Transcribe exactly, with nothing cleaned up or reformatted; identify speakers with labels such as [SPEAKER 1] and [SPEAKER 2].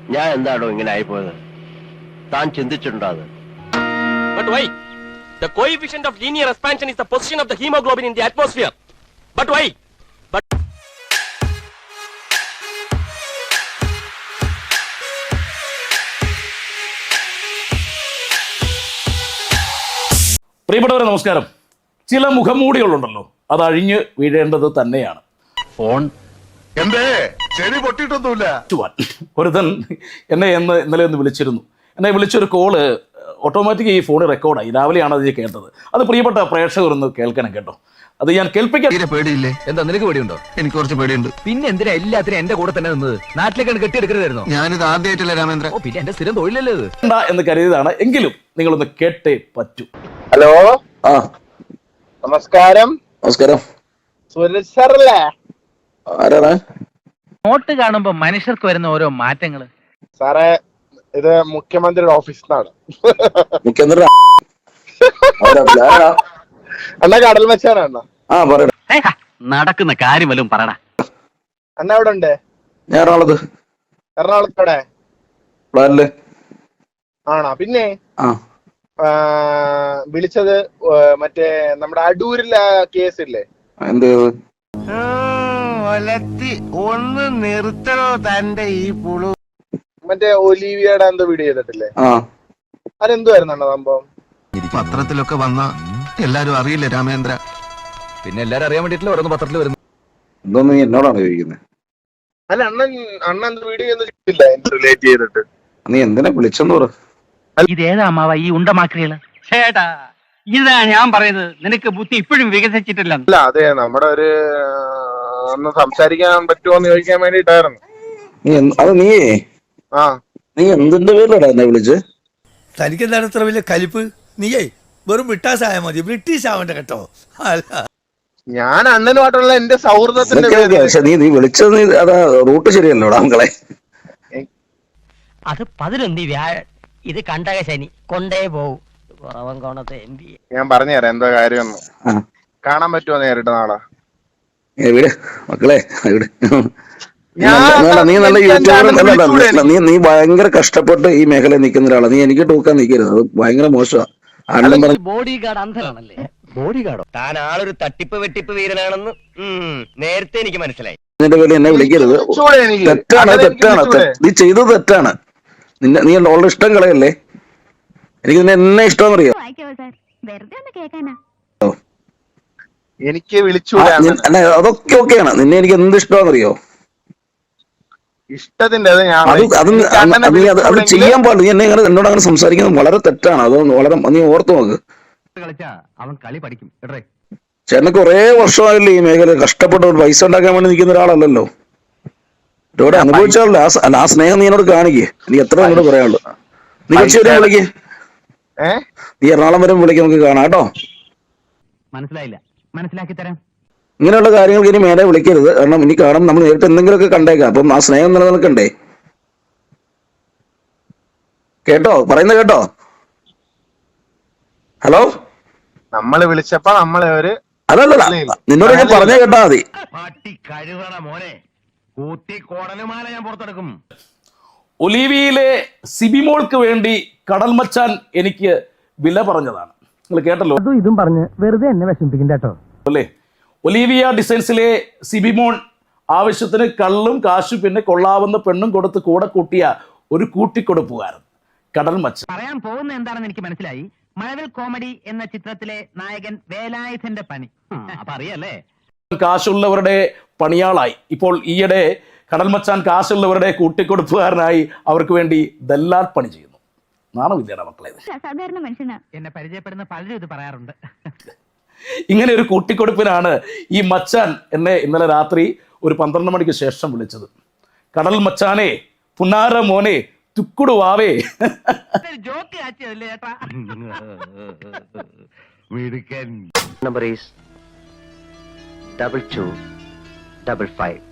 [SPEAKER 1] ഞാൻ എന്താണോ ഇങ്ങനെ ആയിപ്പോയത്? താൻ ചിന്തിച്ചിട്ടുണ്ടോ അത്?
[SPEAKER 2] But why? The coefficient of linear expansion is the position of the hemoglobin in the atmosphere. But why? But
[SPEAKER 3] പ്രിയപ്പെട്ടവരെ നമസ്കാരം. ചില മുഖംമൂടികളുണ്ടല്ലോ, അത് അഴിഞ്ഞ് വീഴേണ്ടത് തന്നെയാണ്.
[SPEAKER 4] ഫോൺ എന്തേ ചെവി പൊട്ടിയിട്ടൊന്നുമില്ല.
[SPEAKER 3] ഒരുതൻ എന്നെ എന്ന് ഇന്നലെ ഒന്ന് വിളിച്ചിരുന്നു. എന്നെ വിളിച്ചൊരു കോള് ഓട്ടോമാറ്റിക് ഈ ഫോൺ റെക്കോർഡായി. രാവിലെയാണ് അത് കേട്ടത്. അത് പ്രിയപ്പെട്ട പ്രേക്ഷകർ ഒന്ന് കേൾക്കണം കേട്ടോ. അത് ഞാൻ കേൾപ്പിക്കാൻ.
[SPEAKER 5] പേടിയില്ലേ? എന്താ നിനക്ക് പേടിയുണ്ടോ? എനിക്ക് കുറച്ച് പേടിയുണ്ട്. പിന്നെ എന്തിനാ എല്ലാത്തിനും എന്റെ കൂടെ തന്നെ നിന്നത്? നാട്ടിലേക്കാണ് കെട്ടിയെടുക്കരുതായിരുന്നോ? ഞാനിത് ആദ്യമായിട്ടല്ലേ രാമേന്ദ്ര. ഓ പിന്നെ എന്റെ സ്ഥിരം തൊഴിലല്ലേ ഇത്
[SPEAKER 3] എന്ന് കരുതിയതാണ്. എങ്കിലും നിങ്ങളൊന്ന് കേട്ടേ പറ്റൂ.
[SPEAKER 6] ഹലോ,
[SPEAKER 7] ആ
[SPEAKER 6] നമസ്കാരം.
[SPEAKER 7] നമസ്കാരം.
[SPEAKER 6] സുരേഷ് സാറല്ലേ?
[SPEAKER 7] ആരാണ്?
[SPEAKER 8] നോട്ട് കാണുമ്പോ മനുഷ്യർക്ക് വരുന്ന ഓരോ മാറ്റങ്ങള്.
[SPEAKER 6] സാറേ, ഇത് മുഖ്യമന്ത്രിയുടെ ഓഫീസിൽ നിന്നാണ്.
[SPEAKER 7] മുഖ്യമന്ത്രി
[SPEAKER 6] അണ്ണ കടൽ മച്ചാണ് അണ്ണ.
[SPEAKER 7] ആ പറയടാ.
[SPEAKER 8] നടക്കുന്ന കാര്യം വല്ലതും പറയടാ.
[SPEAKER 6] അണ്ണ എവിടെ ഉണ്ട്?
[SPEAKER 7] ഞാൻ എറണാകുളത്ത്.
[SPEAKER 6] എറണാകുളത്തോടെ
[SPEAKER 7] പ്ലാനില്
[SPEAKER 6] ആണോ? പിന്നെ
[SPEAKER 7] ആ
[SPEAKER 6] വിളിച്ചത് മറ്റേ നമ്മുടെ അടൂരിലെ കേസില്ലേ?
[SPEAKER 7] എന്ത്
[SPEAKER 5] ഒന്ന് നിർത്തണോ തന്റെ ഈ പുളു?
[SPEAKER 6] മറ്റേ ഒലീവിയയുടെ എന്തോ വീഡിയോ ചെയ്തിട്ടില്ലേ?
[SPEAKER 7] ആ
[SPEAKER 6] അതെന്തുവായിരുന്നു അണ്ണ സംഭവം?
[SPEAKER 5] പത്രത്തിലൊക്കെ വന്ന എല്ലാരും അറിയില്ല രാമേന്ദ്ര. പിന്നെ എല്ലാരും അറിയാൻ വേണ്ടിട്ടില്ല ഓരോന്ന് പത്രത്തിൽ വരുന്നു.
[SPEAKER 7] എന്തോന്ന് നീ എന്നോടാണ് ചോദിക്കുന്നത്?
[SPEAKER 6] അല്ല, അണ്ണൻ അണ്ണ എന്ത് വീഡിയോ ഒന്നും ചെയ്തില്ല റിലേറ്റ് ചെയ്തിട്ട്.
[SPEAKER 7] നീ എന്തിനാ വിളിച്ചെന്ന് പറ.
[SPEAKER 8] ഇതേതാ അമ്മാവ ഈ ഉണ്ടമാക്രികള്? ചേട്ടാ, ഇതാ ഞാൻ പറയുന്നത്. നിനക്ക് ബുദ്ധി ഇപ്പോഴും വികസിച്ചിട്ടില്ല.
[SPEAKER 6] അല്ല, അതെ, നമ്മുടെ ഒരു ഒന്ന് സംസാരിക്കാൻ പറ്റുമോന്ന് ചോദിക്കാൻ വേണ്ടിട്ടായിരുന്നു.
[SPEAKER 7] നീ അത് നീ
[SPEAKER 6] ആ
[SPEAKER 7] നീ എന്തിന്റെ പേരിലടാ എന്നെ വിളിച്ച്?
[SPEAKER 9] തനിക്ക് എന്താണ് ഇത്ര വലിയ കലിപ്പ്? നീയേ വെറും ബ്രിട്ടാസ് ആയാൽ മതി, ബ്രിട്ടീഷ് ആവണ്ട കേട്ടോ. അല്ല,
[SPEAKER 6] ഞാൻ അണ്ണനുമായിട്ടുള്ള എന്റെ സൗഹൃദത്തിന്റെ പേരിൽ.
[SPEAKER 7] പക്ഷെ നീ നീ വിളിച്ചത് നീ അതാ റൂട്ട് ശരിയല്ലോടാ മക്കളെ.
[SPEAKER 10] അത് പതിനൊന്നി വ്യാഴ, ഇത് കണ്ടക ശനി കൊണ്ടേ പോവും.
[SPEAKER 6] ഞാൻ പറഞ്ഞു തരാം എന്താ കാര്യമൊന്നും. കാണാൻ പറ്റുമോ നേരിട്ട് നാളെ?
[SPEAKER 7] എവിടെ മക്കളെ എവിടെ? നീ നല്ല യൂട്യൂബർ. നീ നീ ഭയങ്കര കഷ്ടപ്പെട്ട് ഈ മേഖലയിൽ നിൽക്കുന്ന ഒരാളാണ്. നീ എനിക്ക് ടൂക്കാൻ നിൽക്കരുത്, അത് ഭയങ്കര മോശമാണ്.
[SPEAKER 10] ബോഡി ഗാർഡ് അന്ധനാണല്ലേ? ബോഡി ഗാർഡോ? താൻ ആളൊരു തട്ടിപ്പ് വെട്ടിപ്പ് വീരനാണെന്ന് നേരത്തെ എനിക്ക് മനസ്സിലായി.
[SPEAKER 7] നിന്റെ പേര് എന്നെ വിളിക്കരുത്. തെറ്റാണ്, തെറ്റാണ്. നീ ചെയ്തത് തെറ്റാണ്. നിന്നെ നീ ഓളുടെ ഇഷ്ടം കളയല്ലേ. എനിക്ക് നിന്നെ എന്നെ ഇഷ്ടമെന്നറിയോ?
[SPEAKER 6] എനിക്ക് വിളിച്ചു
[SPEAKER 7] അതൊക്കെ ഓക്കെയാണ്. നിന്നെ എനിക്ക് എന്ത് ഇഷ്ടമാണെന്നറിയോ?
[SPEAKER 6] ഇഷ്ടത്തിന്റെ
[SPEAKER 7] അത് അത് ചെയ്യാൻ പാടില്ല. നീ എന്നെ എന്നോട് അങ്ങനെ സംസാരിക്കുന്നത് വളരെ തെറ്റാണ്. അത് വളരെ നീ ഓർത്തു നോക്ക്.
[SPEAKER 8] അവൻ കളി പഠിക്കും.
[SPEAKER 7] ചേട്ടന് കുറെ വർഷമായില്ലേ ഈ മേഖല കഷ്ടപ്പെട്ട് പൈസ ഉണ്ടാക്കാൻ വേണ്ടി നിൽക്കുന്ന ഒരാളല്ലല്ലോ. ഇവിടെ അനുഭവിച്ചാലോ ആ സ്നേഹം നീ എന്നോട് കാണിക്കേ. എനിക്ക് എത്ര എന്നോട് പറയാനുള്ളൂ. നീ കുറച്ച് വരെ വിളിക്കേ. നീ എറണാകുളം വരെ വിളിക്കാൻ നമുക്ക് കാണാം കേട്ടോ.
[SPEAKER 8] മനസ്സിലായില്ല, മനസ്സിലാക്കി തരാം.
[SPEAKER 7] ഇങ്ങനെയുള്ള കാര്യങ്ങൾക്ക് ഇനി മേലെ വിളിക്കരുത്. കാരണം ഇനി കാണും നമ്മൾ നേരിട്ട് എന്തെങ്കിലുമൊക്കെ കണ്ടേക്കാം. അപ്പം ആ സ്നേഹം നിലനിൽക്കണ്ടേ? കേട്ടോ പറയുന്നത് കേട്ടോ? ഹലോ,
[SPEAKER 6] നമ്മള് വിളിച്ചപ്പോ നമ്മളെ ഒരു
[SPEAKER 7] അതല്ല നിന്നോട് ഞാൻ പറഞ്ഞേ കേട്ടാ മതി.
[SPEAKER 3] ഒലീവിയിലെ സിബിമോൾക്ക് വേണ്ടി കടൽ മച്ചാൻ എനിക്ക് വില പറഞ്ഞതാണ്. നിങ്ങൾ കേട്ടല്ലോ.
[SPEAKER 8] ഇതും പറഞ്ഞ് വെറുതെ എന്നെ വിഷമിപ്പിക്കണ്ട കേട്ടോ
[SPEAKER 3] അല്ലേ? ഒലീവിയ ഡിസൈൻസിലെ സിബിമോൺ ആവശ്യത്തിന് കള്ളും കാശും പിന്നെ കൊള്ളാവുന്ന പെണ്ണും കൊടുത്ത് കൂടെ കൂട്ടിയ ഒരു കൂട്ടിക്കൊടുപ്പുകാരൻ കടൽ മച്ചാൻ.
[SPEAKER 8] പറയാൻ പോകുന്ന എന്താണെന്ന് എനിക്ക് മനസ്സിലായി. മഴവിൽ കോമഡി എന്ന ചിത്രത്തിലെ നായകൻ വേലായുധന്റെ പണി അപ്പൊ അറിയല്ലേ?
[SPEAKER 3] കാശുള്ളവരുടെ പണിയാളായി ഇപ്പോൾ ഈയിടെ കടൽ മച്ചാൻ കാശുള്ളവരുടെ കൂട്ടിക്കൊടുപ്പുകാരനായി അവർക്ക് വേണ്ടി ദല്ലാൽ പണി ചെയ്യുന്നു. നാണമില്ലേടാ മക്കളെ?
[SPEAKER 10] സാധാരണ മനുഷ്യനാ.
[SPEAKER 8] എന്നെ പരിചയപ്പെടുന്ന പലരും ഇത് പറയാറുണ്ട്.
[SPEAKER 3] ഇങ്ങനെ ഒരു കൂട്ടിക്കൊടുപ്പിനാണ് ഈ മച്ചാൻ എന്നെ ഇന്നലെ രാത്രി ഒരു പന്ത്രണ്ട് മണിക്ക് ശേഷം വിളിച്ചത്. കടൽ മച്ചാനെ, പുന്നാര മോനെ, തുക്കുടു വാവേ.
[SPEAKER 1] Number is double two double five.